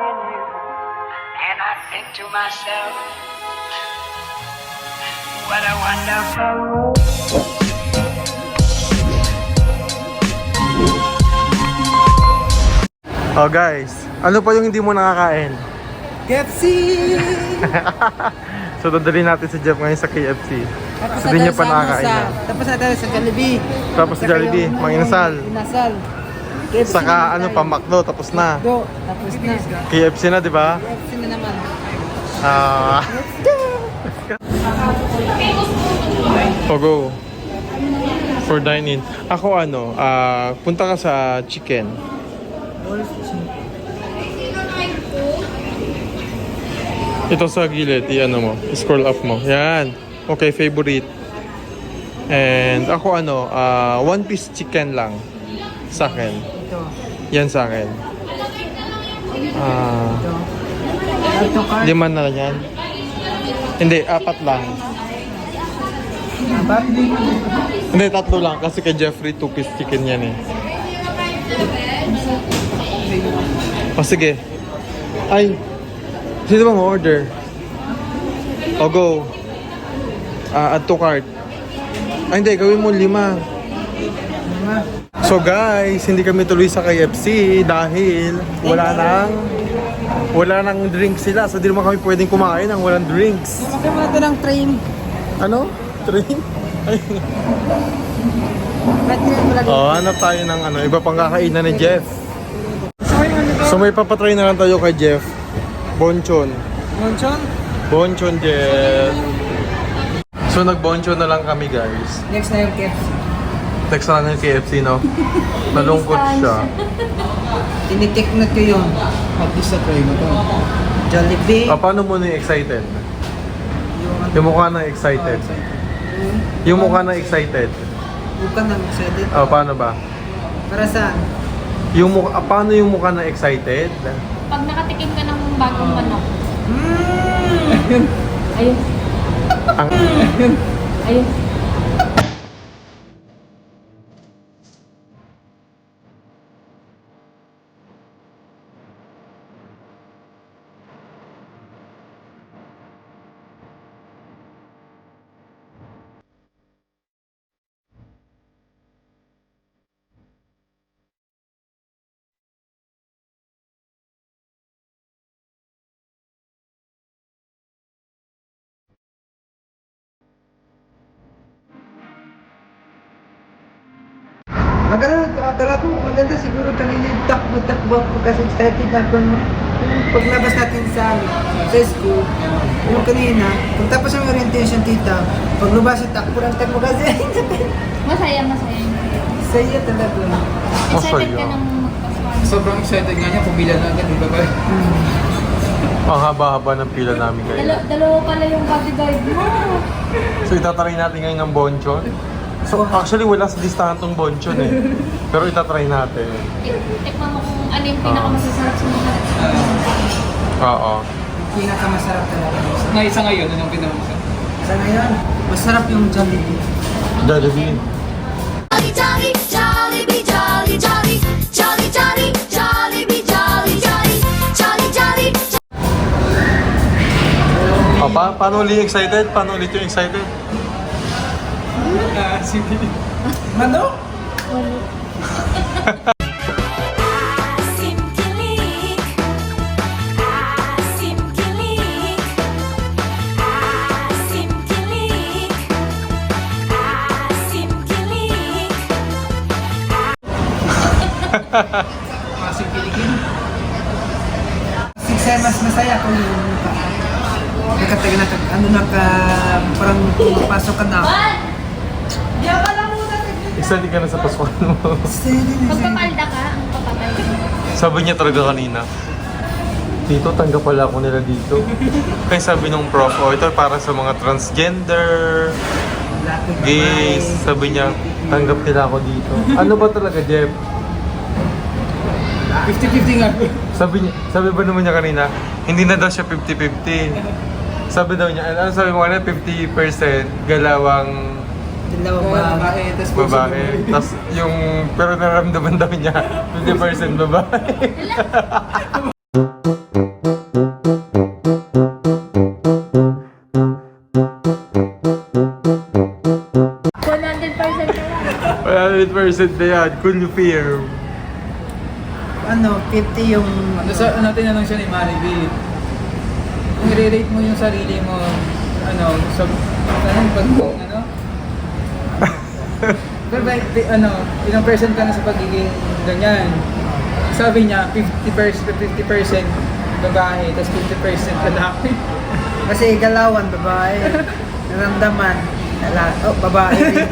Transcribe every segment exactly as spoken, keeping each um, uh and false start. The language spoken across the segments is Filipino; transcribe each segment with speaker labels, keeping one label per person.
Speaker 1: in you, and I think to myself, what a wonderful world.
Speaker 2: Oh guys, ano pa yung hindi mo nakakain?
Speaker 3: K F C!
Speaker 2: So dadali natin si Jeff ngayon sa K F C.
Speaker 3: Tapos
Speaker 2: So di niya pa
Speaker 3: sa
Speaker 2: nakakain
Speaker 3: sa,
Speaker 2: yan.
Speaker 3: Tapos na tayo sa Jollibee.
Speaker 2: Tapos sa Jollibee,
Speaker 3: yung,
Speaker 2: mga inasal.
Speaker 3: Inasal. K F C
Speaker 2: Saka
Speaker 3: naman
Speaker 2: ano
Speaker 3: tayo.
Speaker 2: pa, McDo, tapos na.
Speaker 3: Do, tapos na.
Speaker 2: K F C na, di ba?
Speaker 3: K F C na naman.
Speaker 2: Ah. O go. For dine-in. Ako ano, ah, punta ka sa chicken. Ito sa gilid, i-ano mo, scroll up mo. Yan. Okay, favorite. And ako ano, ah, one piece chicken lang. Sa akin.
Speaker 3: Ito.
Speaker 2: Yan sa akin. Ah,
Speaker 3: Ito card.
Speaker 2: lima na yan. Hindi, apat lang.
Speaker 3: Apat.
Speaker 2: Hindi, tatlo lang. Kasi kay Jeffrey, two piece chicken yan eh. O sige. Ay, sino ba mo order? O go. Ah, add to cart. Ay hindi, gawin mo lima. So guys, hindi kami tuloy sa K F C dahil wala nang wala nang drinks sila. So di naman kami pwedeng kumain ng walang drinks.
Speaker 3: Sumakay mo ito ng train.
Speaker 2: Ano? Train? Ay.
Speaker 3: Ba't train mo lagi?
Speaker 2: Oh, hanap tayo ng ano, iba pang kakainan ni Jeff.
Speaker 3: So yung ano to?
Speaker 2: So may papatry na lang tayo kay Jeff. Bonchon.
Speaker 3: Monchon?
Speaker 2: Bonchon, Jeff. So nag-bonchon na lang kami guys.
Speaker 3: Next na yung K F C.
Speaker 2: Text na lang yung K F C, no? Nalungkot siya.
Speaker 3: Tinitiknot ko yun. At least sa try mo to. Jollibee.
Speaker 2: Ah, paano mo na excited? Yung mukha na excited. Yung mukha na excited.
Speaker 3: Bukan na excited.
Speaker 2: Ah, paano ba?
Speaker 3: Para saan?
Speaker 2: Yung mukha, ah, paano yung mukha na excited?
Speaker 4: Pag nakatikim ka ng bagong manok.
Speaker 3: Mm.
Speaker 4: Ayun.
Speaker 2: Ang,
Speaker 4: Ayun.
Speaker 3: Maganda, akala ko maganda siguro kanina yung takbo-takbo ako kasi excited ako no. Yung paglabas natin sa, sa school, yung kanina, kung tapos ang orientation tita, paglabas yung takbo ng takbo kasi,
Speaker 4: Masaya, masaya.
Speaker 3: saya talaga.
Speaker 4: Excited
Speaker 2: Masaya.
Speaker 4: ka ng magpaswan.
Speaker 5: Sobrang excited nga niya, pumila na agad, di ba ba?
Speaker 2: ang haba-haba ng pila namin
Speaker 4: Dalo,
Speaker 2: kayo.
Speaker 4: dalawa pala yung bodyguard mo.
Speaker 2: So itatry natin ngayon ng bonchon. So actually wala sa listahan tong bonchon eh. Pero itatry natin.
Speaker 4: Tik- Tikman mo kung ano yung pinakamasasarap sa mga.
Speaker 2: Oo.
Speaker 3: Pinakamasarap talaga.
Speaker 5: Na isa ngayon, anong pinamasa?
Speaker 3: Sa ngayon, masarap yung Jollibee.
Speaker 2: Jollibee.
Speaker 6: Jolly, jolly, jolly, jolly, jolly, jolly, jolly, jolly, jolly, jolly, jolly, jolly.
Speaker 2: Oh, pa paano ulit excited? Paano ulit yung excited?
Speaker 5: Ah, si
Speaker 3: Mano?
Speaker 6: Asim kilik, asim kilik, asim kilik, asim kilik.
Speaker 5: Masing pilikin.
Speaker 3: Sige, mas masaya kung yung nakataga na, ano na ka, parang pumapasok ka na.
Speaker 2: Excited ka na sa Pasko mo.
Speaker 4: Pagpapalda ka, ang papapalda.
Speaker 2: Sabi niya talaga kanina, Tito, tanggap pala ako nila dito. Kaya sabi nung prof, oh, ito para sa mga transgender, gays. Sabi niya, tanggap nila ako dito. Ano ba talaga, Jeff?
Speaker 5: fifty fifty nga.
Speaker 2: Sabi niya, sabi ba naman niya kanina, hindi na daw siya fifty fifty. Sabi daw niya, ano sabi mo kanina, fifty percent galawang
Speaker 3: Dalawang
Speaker 5: Babae,
Speaker 3: babae.
Speaker 5: tas puso
Speaker 2: babae.
Speaker 5: babae.
Speaker 2: Tapos yung, pero nararamdaman daw niya, fifty percent babae. percent na yan. Confirm.
Speaker 3: Ano, fifty yung...
Speaker 5: Ano sa ano tinanong siya ni Maribel? Kung i-rate mo yung sarili mo, ano, sa anong pag ano? Pero ba, di- ano, ilang percent ka na sa pagiging ganyan? Sabi niya, fifty percent, fifty percent babae, tapos fifty percent lalaki.
Speaker 3: Kasi galawan, babae. Naramdaman. Lala, oh, babae rin.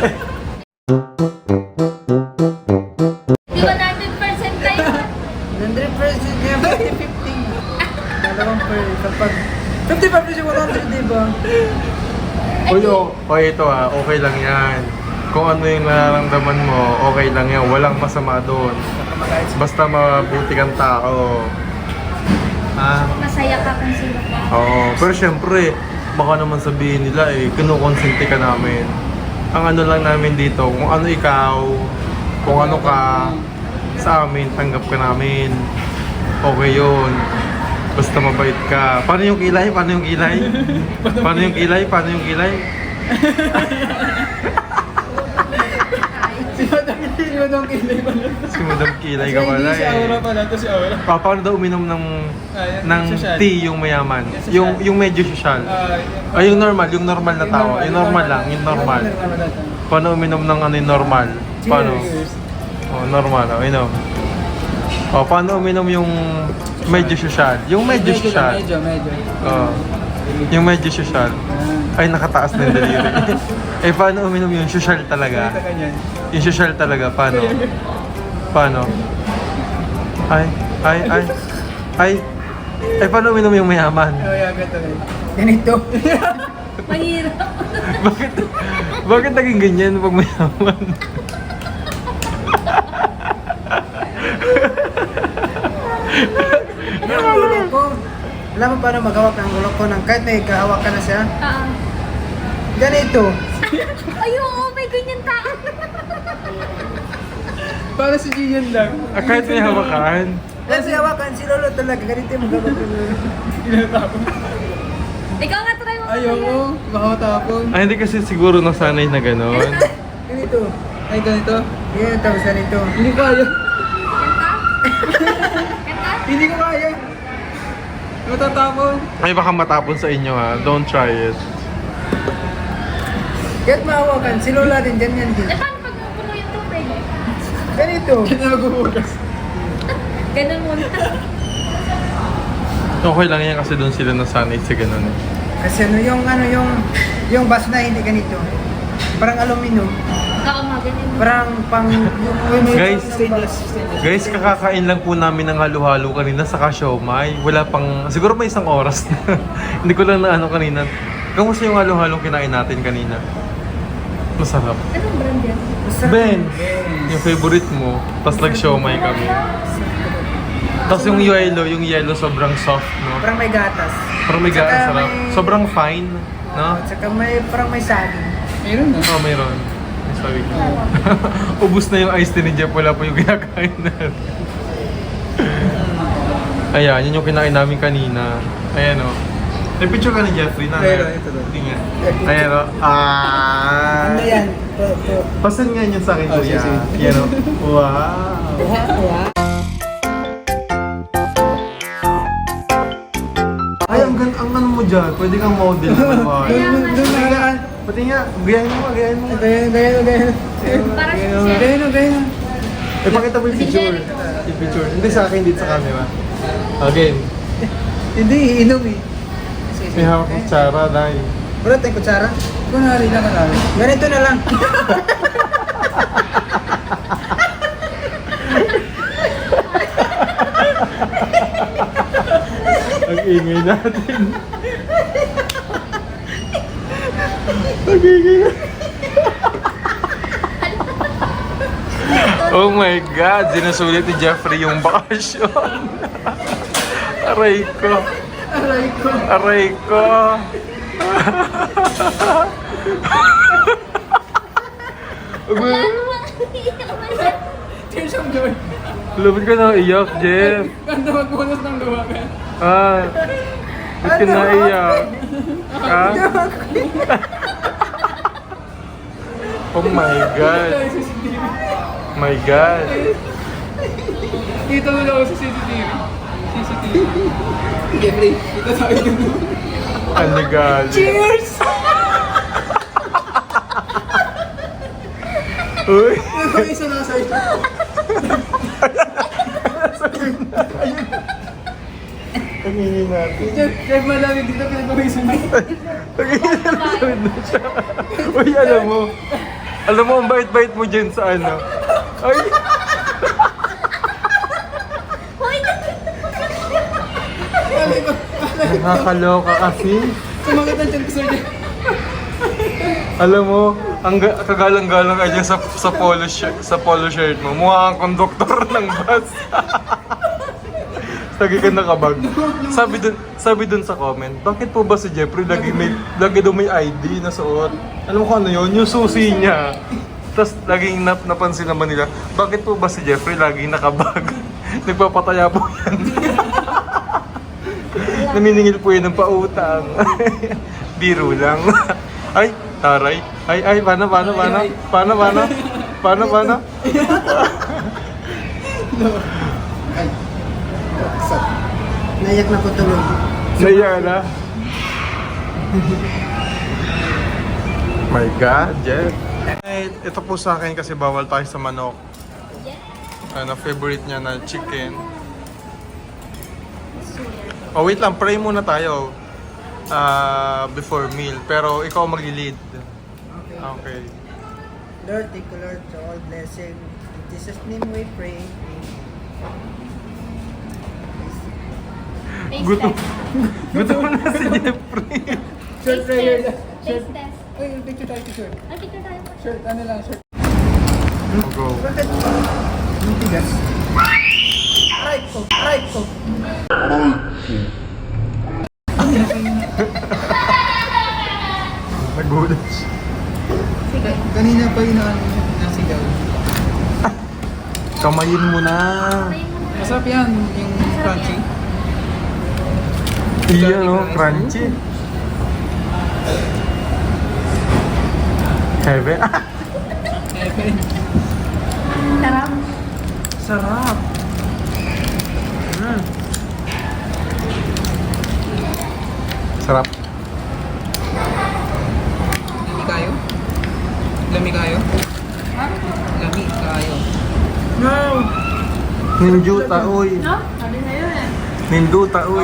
Speaker 4: Di ba hundred percent tayo?
Speaker 3: one hundred percent niya, fifty fifty. Dalawang per, kapag... fifty-five percent one hundred, di ba?
Speaker 2: Uy, o, o ito ah, okay lang yan. Kung ano yung nararamdaman mo, okay lang yan. Walang masama doon. Basta mabuti kang tao. Ah,
Speaker 4: Masaya ka kung sino ka.
Speaker 2: oo. Pero syempre, baka naman sabihin nila eh, kinukonsente ka namin. Ang ano lang namin dito, kung ano ikaw, kung ano ka, sa amin, tanggap ka namin. Okay yun. Basta mabait ka. Paano yung kilay? Paano yung kilay? Paano yung kilay? Paano yung kilay?
Speaker 5: Si Madam, si Madam Kilay pala.
Speaker 2: Si Madam Kilay ka pala
Speaker 5: Si Aura
Speaker 2: eh.
Speaker 5: pala, to si Aura.
Speaker 2: Pa, paano daw uminom ng
Speaker 5: Ah, yan,
Speaker 2: ng
Speaker 5: social.
Speaker 2: tea yung mayaman?
Speaker 5: Yung social.
Speaker 2: Yung yung medyo social.
Speaker 5: Ah,
Speaker 2: Ay, yung normal, yung normal na tao. Yung normal lang, yung normal.
Speaker 5: Yung normal lang.
Speaker 2: Paano uminom ng ano yung normal? Paano?
Speaker 5: Cheers.
Speaker 2: Oh, normal, oh, inom. Oh, paano uminom yung medyo social? Yung medyo
Speaker 5: Medyo,
Speaker 2: social.
Speaker 5: medyo, medyo.
Speaker 2: Oh. Yung medyo social. Ay, nakataas na yung daliri. Eh, paano uminom yung social talaga?
Speaker 5: Ito ganyan.
Speaker 2: Yung social talaga, paano? Paano? Ay, ay, ay, ay. Ay, paano uminom yung mayaman?
Speaker 5: Oh, yeah, ganito rin.
Speaker 3: Ganito.
Speaker 4: Mahirap.
Speaker 2: Bakit, bakit naging ganyan pag mayaman?
Speaker 3: Yung ulo ko. Alam mo paano maghawak ng ulo ko ng kahit may kahawak ka na siya?
Speaker 4: Ah.
Speaker 3: Ganito.
Speaker 4: Ay, oo, may ganyan tao.
Speaker 5: Para si Gian lang.
Speaker 2: Ah, kahit may hawakan.
Speaker 3: Kasi hawakan si Lolo talaga. Ganito yung maghawak ng ulo.
Speaker 5: Tinatapon.
Speaker 4: Ikaw nga, try mo.
Speaker 5: Ayoko, baka matapon.
Speaker 2: Ay, hindi kasi siguro nasanay na gano'n.
Speaker 3: Ganito.
Speaker 5: Ay, ganito.
Speaker 3: Yan, tapos ganito.
Speaker 5: Hindi ko kaya.
Speaker 4: Kanta? Kanta?
Speaker 5: Hindi ko kaya. Matatapon.
Speaker 2: Ay, baka matapon sa inyo ha. Don't try it.
Speaker 3: Kahit mahawakan, si Lola din, ganyan din.
Speaker 4: Eh, paano pag puno yung tubig?
Speaker 3: Ganito.
Speaker 5: Hindi na magbubukas.
Speaker 4: Ganun muna.
Speaker 2: Okay lang yan kasi doon sila nasanay sa gano'n eh.
Speaker 3: Kasi ano yung ano yung yung baso na hindi ganito. Parang aluminum.
Speaker 4: Oo, mga ganyan.
Speaker 3: Parang pang yung
Speaker 2: Guys,
Speaker 5: Stainless. Stainless.
Speaker 2: Guys, kakakain lang po namin ng halo-halo kanina sa siomai. Wala pang, siguro may isang oras na. Hindi ko lang na ano kanina. Kamusta yung halo-halo kinain natin kanina? Masarap.
Speaker 4: Anong brand yan?
Speaker 2: Ben, yung favorite mo. Tapos nag-siomai kami. Tapos yung yellow, yung yellow sobrang soft, no?
Speaker 3: Parang may gatas.
Speaker 2: Parang may
Speaker 3: Tsaka
Speaker 2: gaan sarap.
Speaker 3: may-
Speaker 2: Sobrang fine, no?
Speaker 3: At saka may parang may saging.
Speaker 5: Meron na.
Speaker 2: Oo, mayroon. May sabi ko. Ubus na yung iced tea ni Jeff. Wala po yung kinakain natin. Ayan, yun yung kinain namin kanina. Ayan o. May picture ka ni Jeffrey na.
Speaker 5: Meron, ito daw.
Speaker 2: Hindi nga. Ayan o. Ah!
Speaker 3: Ano yan? To- to-
Speaker 2: Pasan nga yun sa akin,
Speaker 5: Oh,
Speaker 2: kuya.
Speaker 5: sige, sige.
Speaker 2: Yan o. Wow! Ay, ang, gan ang ano mo dyan. Pwede kang model naman.
Speaker 3: Doon doon nakaraan.
Speaker 2: Pati nga, gayahin mo, gayahin mo.
Speaker 3: Ganyan, ganyan, ganyan.
Speaker 4: Para sa
Speaker 3: Ganyan, ganyan, ganyan.
Speaker 2: Eh, pakita mo yung picture. Yung picture. Hindi sa akin, dito sa camera. Again.
Speaker 3: Hindi, iinom eh.
Speaker 2: May hawak ng tsara, dahil.
Speaker 3: Wala tayong kutsara.
Speaker 5: Kunwari lang ka namin.
Speaker 3: Ganito na lang.
Speaker 2: Ang ingay natin. Ang ingay natin. Oh my God! Sinusulit ni Jeffrey yung bakasyon. Aray ko.
Speaker 5: Aray ko.
Speaker 2: Aray ko.
Speaker 4: Wala namang iiyak man yan.
Speaker 5: Tears of joy.
Speaker 2: Lubid ka na iyak, Jeff.
Speaker 5: Ganda magbunas ng luwa ka.
Speaker 2: Ah. Ba't ka na iyak? Ha? Oh my God.
Speaker 5: Tayo sa C C T V.
Speaker 2: My God.
Speaker 5: Dito mo lang ako sa C C T V. C C T V. Jeffrey, dito tayo dito.
Speaker 2: Ang legal.
Speaker 5: Cheers!
Speaker 2: Uy.
Speaker 5: Ito isa na sa'yo.
Speaker 2: Tingin natin.
Speaker 5: Jeff, Jeff, malamig dito pinag-uwisan mo.
Speaker 2: Tingin na siya. Uy, alam mo. Alam mo, ang bait-bait mo dyan sa ano. Ay. Nakakaloka kasi.
Speaker 5: Sumagat ang chan ko sir Jeff.
Speaker 2: Alam mo, ang ga- kagalang-galang ka dyan sa, sa, polo shirt, sa polo shirt mo. Mukha kang konduktor ng bus. Lagi ka nakabag. Sabi dun, sabi dun sa comment, bakit po ba si Jeffrey lagi, may, lagi daw may I D na suot? Alam mo kung ano yun? Yung susi niya. Tapos laging nap napansin naman nila, bakit po ba si Jeffrey laging nakabag? Nagpapataya po yan. Naniningil po yan ng pautang. Biro lang. Ay, taray. Ay, ay, paano, paano, paano? Paano, paano? Paano, paano?
Speaker 3: Nayak na ko tuloy.
Speaker 2: Naiya na. My God, Jeff. Eh, ito po sa akin kasi bawal tayo sa manok. Ano, favorite niya na chicken. Oh, wait lang. Pray muna tayo. Ah, before meal. Pero ikaw mag-lead.
Speaker 3: Okay.
Speaker 2: Okay.
Speaker 3: Lord, thank you Lord for all blessing. In Jesus' name we pray.
Speaker 4: Taste
Speaker 2: Gutom.
Speaker 4: test.
Speaker 2: Gutom na si Jeffrey.
Speaker 5: Short
Speaker 4: Taste
Speaker 5: prayer
Speaker 4: test.
Speaker 5: lang. Short.
Speaker 4: Taste test.
Speaker 5: Uy, picture tayo picture.
Speaker 4: Ah, picture tayo.
Speaker 5: Short, ano lang, short.
Speaker 2: Go.
Speaker 3: Bakit? Ang tigas. Right ko, right ko.
Speaker 2: Nagulat siya.
Speaker 5: Kanina pa yun ang nasigaw.
Speaker 2: Kamayin mo na.
Speaker 5: Masarap yan, yung crunchy.
Speaker 2: Iya, no? Crunchy. Heavy.
Speaker 5: Heaven.
Speaker 4: Sarap.
Speaker 5: Sarap.
Speaker 2: Mm. Sarap.
Speaker 5: Lami kayo? Lami kayo? Lami kayo.
Speaker 3: No!
Speaker 2: Ninjuta, uy.
Speaker 4: No? Sabi sa'yo eh.
Speaker 2: Ninduta, uy.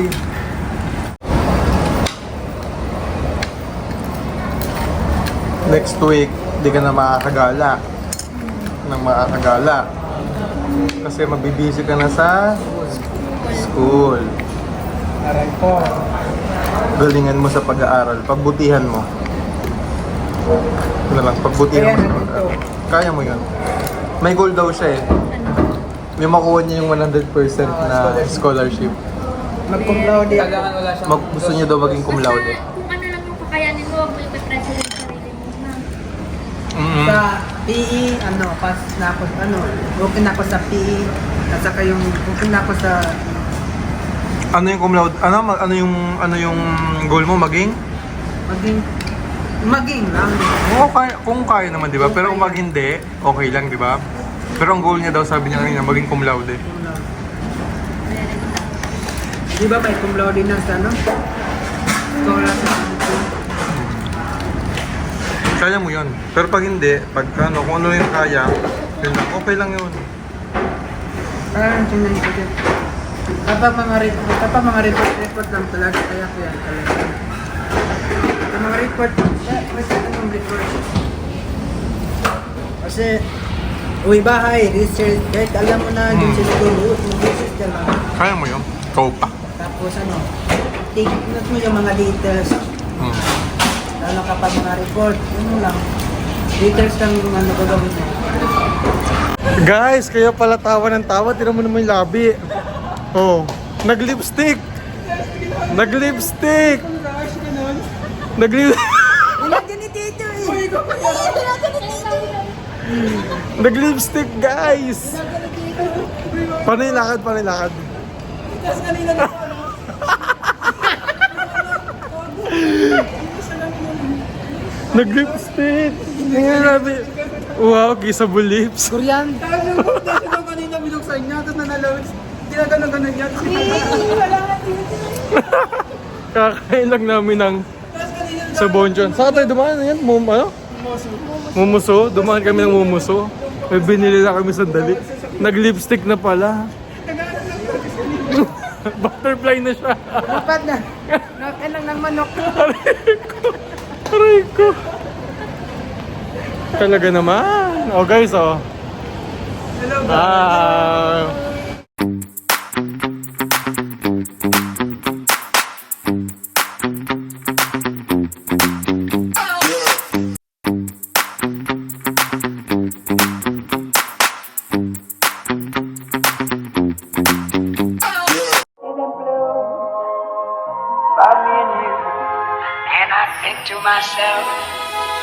Speaker 2: Next week, di ka na makakagala. Nang makakagala. Kasi mabibisi ka na sa school.
Speaker 5: Aray po.
Speaker 2: Galingan mo sa pag-aaral. Pagbutihan mo. Ano lang, pagbutihan mo sa pag-aaral. Kaya mo yun. May goal daw siya eh. May makuha niya yung one hundred percent na scholarship.
Speaker 3: Mag-cum laude ako.
Speaker 5: Kailangan wala siyang...
Speaker 2: Mag gusto niya daw maging cum laude.
Speaker 4: Basta kung ano lang yung kakayanin mo, huwag mo ipipressure yung sarili mo na.
Speaker 2: Mm-hmm.
Speaker 3: Sa P E, ano, pas na ako, ano, okay na ako sa P E. At saka yung, okay na ako sa,
Speaker 2: Ano yung cum laude? Ano, ma- ano yung ano yung goal mo maging?
Speaker 3: maging, maging lang.
Speaker 2: Oo, kaya, kung kaya naman, di ba? Pero kung mag hindi, okay lang, di ba? Pero ang goal niya daw, sabi niya kanina, maging cum laude.
Speaker 3: Di ba may cum laude na sa, ano? Scholarship.
Speaker 2: Kaya mo yun. Pero pag hindi, pag ano, kung ano yung kaya, yun lang, okay lang yun.
Speaker 3: Parang tingnan ko din. Kapag mga report, kapag mga report, report lang talaga, kaya ko yan talaga. Kapag mga report, eh, kasi anong report? Kasi, uwi bahay, research, kahit alam mo na yung
Speaker 2: Hmm.
Speaker 3: siniguro, mag-research ka lang.
Speaker 2: Kaya mo yun. Ikaw pa.
Speaker 3: Tapos ano, take note mo yung mga details.
Speaker 2: Hmm.
Speaker 3: Lalo kapag mga report, yun lang. Details lang yung ano gagawin mo.
Speaker 2: Guys, kaya pala tawa ng tawa. Tira mo naman yung labi. Oh, nag-lipstick. Nag-lipstick. Nag-lip...
Speaker 3: Nilagyan ni Tito eh!
Speaker 2: Nag-lipstick, guys. Paano yung lakad? Paano yung lakad?
Speaker 5: Tapos kanina na ako, ano?
Speaker 2: Nag-lipstick. Tingnan natin. Wow, kissable lips.
Speaker 3: Korean.
Speaker 5: Tapos yung foundation ko kanina binuksan niya, tapos nanaloads. Ginaganon-ganon niya. Tapos wala nga dito.
Speaker 2: Kakain lang namin ng
Speaker 5: Tapos kanina
Speaker 2: sa Bonjon. Saan tayo dumaan? Yan, mum, ano? Mumuso. Dumaan kami ng mumuso. May binili na kami sandali. Nag-lipstick na pala. Butterfly na siya.
Speaker 3: Dapat na. Nakain lang ng manok.
Speaker 2: Aray ko. Talaga naman. Oh guys, oh.
Speaker 5: Hello guys.
Speaker 2: Ah.
Speaker 1: About me and you. And I think to myself,